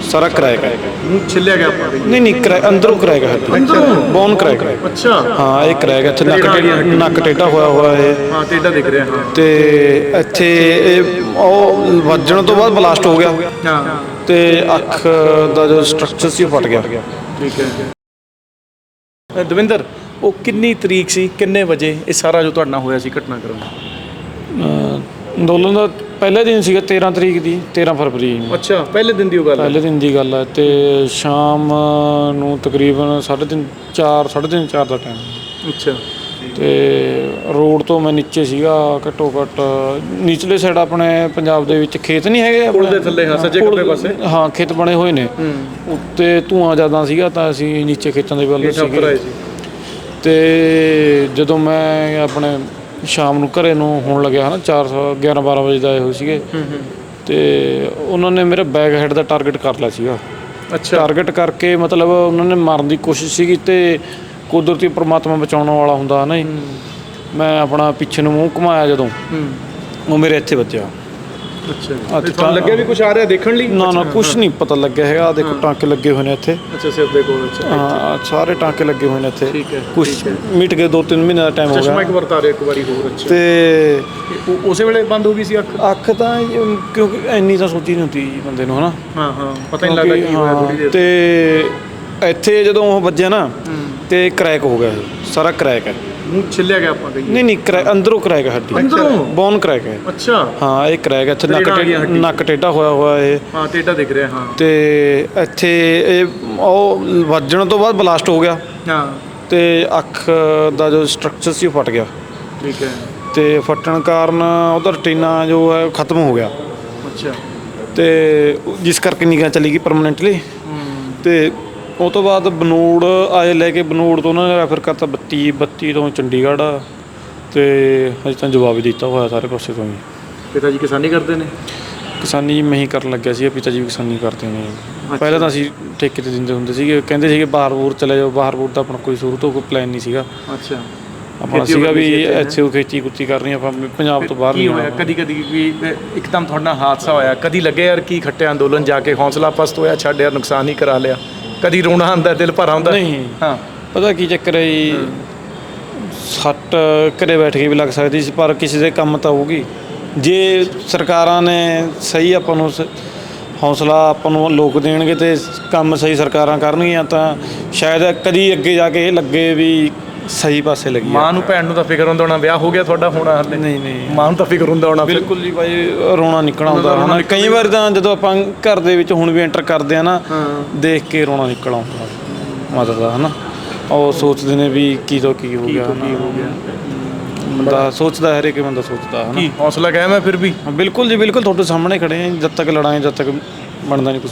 ਸਾਰਾ ਕਰੈਕ ਹੈ। ਮੂੰਹ ਛਿੱਲਿਆ ਗਿਆ ਆਪਾਂ ਨਹੀਂ ਕਰੈਕ ਅੰਦਰੋਂ ਕਰੈਕ ਹੈ, ਬੋਨ ਕਰੈਕ ਹੈ। ਅੱਛਾ ਹਾਂ ਇਹ ਕਰੈਕ ਇੱਥੇ ਨੱਕ ਟੇਢਾ ਹੋਇਆ ਇਹ। ਹਾਂ ਟੇਢਾ ਦਿਖ ਰਿਹਾ ਹਾਂ। ਤੇ ਇੱਥੇ ਇਹ ਉਹ ਵੱਜਣ ਤੋਂ ਬਾਅਦ ਬਲਾਸਟ ਹੋ ਗਿਆ ਹਾਂ ਤੇ ਅੱਖ ਦਾ ਜੋ ਸਟਰਕਚਰ ਸੀ ਉਹ ਫਟ ਗਿਆ। ਠੀਕ ਹੈ ਦਵਿੰਦਰ, ਉਹ ਕਿੰਨੀ ਤਰੀਕ ਸੀ, ਕਿੰਨੇ ਵਜੇ ਇਹ ਸਾਰਾ ਜੋ ਤੁਹਾਡੇ ਨਾਲ ਹੋਇਆ ਸੀ ਘਟਨਾਕ੍ਰਮ? ਅੰਦੋਲਨ ਦਾ ਪਹਿਲੇ ਦਿਨ ਸੀਗਾ 13 ਤਰੀਕ ਦੀ, 13 ਫਰਵਰੀ ਨੂੰ। ਅੱਛਾ ਪਹਿਲੇ ਦਿਨ ਦੀ ਉਹ ਗੱਲ ਹੈ? ਪਹਿਲੇ ਦਿਨ ਦੀ ਗੱਲ ਹੈ। ਤੇ ਸ਼ਾਮ ਨੂੰ ਤਕਰੀਬਨ 3:30 4 ਦਾ ਟਾਈਮ। ਅੱਛਾ ਤੇ ਰੋਡ ਤੋਂ ਮੈਂ ਨੀਚੇ ਸੀਗਾ, ਘੱਟੋ ਘੱਟ ਨੀਚਲੇ ਸਾਈਡ ਆਪਣੇ ਪੰਜਾਬ ਦੇ ਵਿੱਚ ਖੇਤ ਨਹੀਂ ਹੈਗੇ ਪੁਲ ਦੇ ਥੱਲੇ? ਹਾਂ ਸੱਜੇ ਖੱਬੇ ਪਾਸੇ ਹਾਂ ਖੇਤ ਬਣੇ ਹੋਏ ਨੇ। ਉੱਤੇ ਧੂਆਂ ਜ਼ਿਆਦਾ ਸੀਗਾ ਤਾਂ ਅਸੀਂ ਨੀਚੇ ਖੇਤਾਂ ਦੇ ਵੱਲ ਸੀਗੇ। ਤੇ ਜਦੋਂ ਮੈਂ ਆਪਣੇ ਸ਼ਾਮ ਨੂੰ ਘਰੇ ਨੂੰ ਹੋਣ ਲੱਗਿਆ ਹੈ ਨਾ 11-12 ਵਜੇ ਦਾ ਆਏ ਹੋਏ ਸੀਗੇ। ਤੇ ਉਹਨਾਂ ਨੇ ਮੇਰੇ ਬੈਕ ਹੈਡ ਦਾ ਟਾਰਗੇਟ ਕਰ ਲਿਆ ਸੀਗਾ। ਅੱਛਾ ਟਾਰਗੇਟ ਕਰਕੇ ਮਤਲਬ ਉਹਨਾਂ ਨੇ ਮਾਰਨ ਦੀ ਕੋਸ਼ਿਸ਼ ਸੀਗੀ ਤੇ ਕੁਦਰਤੀ ਪਰਮਾਤਮਾ ਬਚਾਉਣ ਵਾਲਾ ਹੁੰਦਾ ਨਾ। ਮੈਂ ਆਪਣਾ ਪਿੱਛੇ ਨੂੰ ਮੂੰਹ ਘੁਮਾਇਆ ਜਦੋਂ ਉਹ ਮੇਰੇ ਇੱਥੇ ਵੱਜਿਆ। ਅੱਛਾ ਤੁਹਾਨੂੰ ਲੱਗਿਆ ਵੀ ਕੁਝ ਆ ਰਿਹਾ ਦੇਖਣ ਲਈ? ਨਾ ਕੁਛ ਨਹੀਂ ਪਤਾ ਲੱਗਿਆ ਹੈਗਾ। ਦੇਖੋ ਟਾਂਕੇ ਲੱਗੇ ਹੋਏ ਨੇ ਇੱਥੇ। ਅੱਛਾ ਸਿਰ ਦੇ ਕੋਲ? ਹਾਂ ਸਾਰੇ ਟਾਂਕੇ ਲੱਗੇ ਹੋਏ ਨੇ ਇੱਥੇ। ਠੀਕ ਹੈ ਕੁਛ ਮਿਟ ਗਏ 2-3 ਮਹੀਨੇ ਦਾ ਟਾਈਮ ਹੋ ਗਿਆ। ਚਸ਼ਮਾ ਇੱਕ ਵਾਰ ਤਾਰੇ ਇੱਕ ਵਾਰੀ ਹੋਰ। ਅੱਛਾ ਤੇ ਉਸੇ ਵੇਲੇ ਬੰਦ ਹੋ ਗਈ ਸੀ ਅੱਖ ਤਾਂ ਕਿਉਂਕਿ ਇੰਨੀ ਤਾਂ ਸੋਚੀ ਨਹੀਂ ਹੁੰਦੀ ਬੰਦੇ ਨੂੰ ਹਨਾ। ਹਾਂ ਪਤਾ ਨਹੀਂ ਲੱਗਦਾ ਕੀ ਹੋਇਆ ਥੋੜੀ ਦੇਰ। ਤੇ ਇੱਥੇ ਜਦੋਂ ਉਹ ਵੱਜਿਆ ਨਾ ਤੇ ਕਰੈਕ ਹੋ ਗਿਆ, ਸਾਰਾ ਕਰੈਕ ਹੈ। ਮੂੰਹ ਛਿੱਲਿਆ ਗਿਆ ਆਪਾਂ ਕਹੀਏ? ਨਹੀਂ ਅੰਦਰੋਂ ਕਰੈਕ ਹੈ, ਹੱਡੀ ਬੋਨ ਕਰੈਕ ਹੈ। ਅੱਛਾ ਹਾਂ ਇਹ ਕਰੈਕ ਇੱਥੇ ਨੱਕ ਟੇਢਾ ਹੋਇਆ ਇਹ। ਹਾਂ ਟੇਢਾ ਦਿਖ ਰਿਹਾ ਹਾਂ। ਤੇ ਇੱਥੇ ਇਹ ਉਹ ਵੱਜਣ ਤੋਂ ਬਾਅਦ ਬਲਾਸਟ ਹੋ ਗਿਆ। ਹਾਂ ਤੇ ਅੱਖ ਦਾ ਜੋ ਸਟਰਕਚਰ ਸੀ ਉਹ ਫਟ ਗਿਆ। ਠੀਕ ਹੈ। ਤੇ ਫਟਣ ਕਾਰਨ ਉਹਦਾ ਰਟੀਨਾ ਜੋ ਹੈ ਖਤਮ ਹੋ ਗਿਆ। ਅੱਛਾ ਤੇ ਜਿਸ ਕਰਕੇ ਨਿਗਾਹ ਚਲੀ ਗਈ ਪਰਮਾਨੈਂਟਲੀ। ਤੇ ਉਹ ਤੋਂ ਬਾਅਦ ਬਨੂੜ ਆਏ ਲੈ ਕੇ, ਬਨੂੜ ਤੋਂ ਉਹਨਾਂ ਨੇ ਰੈਫਰ ਕਰਤਾ 32 ਤੋਂ ਚੰਡੀਗੜ੍ਹ। ਤੇ ਹਜੇ ਤਾਂ ਜਵਾਬ ਹੀ ਦਿੱਤਾ ਹੋਇਆ ਸਾਰੇ ਪਾਸੇ ਤੋਂ ਹੀ। ਪਿਤਾ ਜੀ ਕਿਸਾਨੀ ਕਰਦੇ ਨੇ? ਕਿਸਾਨੀ ਮੈਂ ਹੀ ਕਰਨ ਲੱਗਿਆ ਸੀ, ਪਿਤਾ ਜੀ ਵੀ ਕਿਸਾਨੀ ਕਰਦੇ ਨੇ। ਪਹਿਲਾਂ ਤਾਂ ਅਸੀਂ ਠੇਕੇ 'ਤੇ ਦਿੰਦੇ ਹੁੰਦੇ ਸੀਗੇ, ਕਹਿੰਦੇ ਸੀਗੇ ਬਾਹਰ ਬੂਰ ਚਲੇ ਜਾਓ। ਬਾਹਰ ਬੂਰ ਦਾ ਆਪਣਾ ਕੋਈ ਸ਼ੁਰੂ ਤੋਂ ਕੋਈ ਪਲਾਨ ਨਹੀਂ ਸੀਗਾ। ਅੱਛਾ ਆਪਣਾ ਸੀਗਾ ਵੀ ਇੱਥੇ ਉਹ ਖੇਤੀ ਕੁੱਤੀ ਕਰਨੀ ਆਪਾਂ, ਪੰਜਾਬ ਤੋਂ ਬਾਹਰ ਨਹੀਂ ਹੋਇਆ। ਕਦੀ ਵੀ ਇੱਕਦਮ ਤੁਹਾਡੇ ਨਾਲ ਹਾਦਸਾ ਹੋਇਆ, ਕਦੀ ਲੱਗੇ ਯਾਰ ਕੀ ਖੱਟਿਆ ਅੰਦੋਲਨ ਜਾ ਕੇ, ਹੌਸਲਾ ਪਸਤ ਹੋਇਆ, ਛੱਡ ਯਾਰ ਨੁਕਸਾਨ ਹੀ ਕਰਾ ਲਿਆ? ਕਦੀ ਰੋਣਾ ਆਉਂਦਾ, ਦਿਲ ਭਰ ਆਉਂਦਾ? ਨਹੀਂ ਹਾਂ ਪਤਾ ਕੀ ਚੱਕਰ ਹੈ ਜੀ, ਸੱਟ ਘਰੇ ਬੈਠ ਕੇ ਵੀ ਲੱਗ ਸਕਦੀ ਸੀ ਪਰ ਕਿਸੇ ਦੇ ਕੰਮ ਤਾਂ ਹੋਊਗੀ ਜੇ ਸਰਕਾਰਾਂ ਨੇ ਸਹੀ ਆਪਾਂ ਨੂੰ ਹੌਸਲਾ ਆਪਾਂ ਨੂੰ ਲੋਕ ਦੇਣਗੇ ਤੇ ਕੰਮ ਸਹੀ ਸਰਕਾਰਾਂ ਕਰਨਗੀਆਂ ਤਾਂ ਸ਼ਾਇਦ ਕਦੀ ਅੱਗੇ ਜਾ ਕੇ ਇਹ ਲੱਗੇ ਵੀ ਸਹੀ ਪਾਸੇ ਲੱਗੀ। ਮਾਂ ਨੂੰ ਭੈਣ ਨੂੰ ਤਾਂ ਫਿਕਰ ਹੁੰਦਾ ਹੋਣਾ, ਵਿਆਹ ਹੋ ਗਿਆ ਤੁਹਾਡਾ ਹੋਣਾ ਹਾਲੇ? ਨਹੀਂ ਮਾਂ ਨੂੰ ਤਾਂ ਫਿਕਰ ਹੁੰਦਾ ਹੋਣਾ? ਬਿਲਕੁਲ ਜੀ ਬਾਈ, ਰੋਣਾ ਨਿਕਲ ਆਉਂਦਾ ਹੋਣਾ ਕਈ ਵਾਰ ਤਾਂ ਜਦੋਂ ਆਪਾਂ ਘਰ ਦੇ ਵਿੱਚ ਹੁਣ ਵੀ ਐਂਟਰ ਕਰਦੇ ਆ ਨਾ, ਦੇਖ ਕੇ ਰੋਣਾ ਨਿਕਲ ਆਉਂਦਾ ਮਾਤਾ ਦਾ ਹਨਾ। ਉਹ ਸੋਚਦੇ ਨੇ ਵੀ ਕੀ ਤੋਂ ਕੀ ਹੋ ਗਿਆ। ਬੰਦਾ ਸੋਚਦਾ, ਹਰੇਕ ਬੰਦਾ ਸੋਚਦਾ ਹਨਾ। ਹੌਸਲਾ ਕਾਇਮ ਹੈ ਫਿਰ ਵੀ? ਬਿਲਕੁਲ ਜੀ ਬਿਲਕੁਲ, ਤੁਹਾਡੇ ਸਾਹਮਣੇ ਖੜੇ ਆ। ਜਦ ਤੱਕ ਲੜਾਂਗੇ, ਜਦ ਤੱਕ ਬਣਦਾ ਨਹੀਂ ਕੁਛ।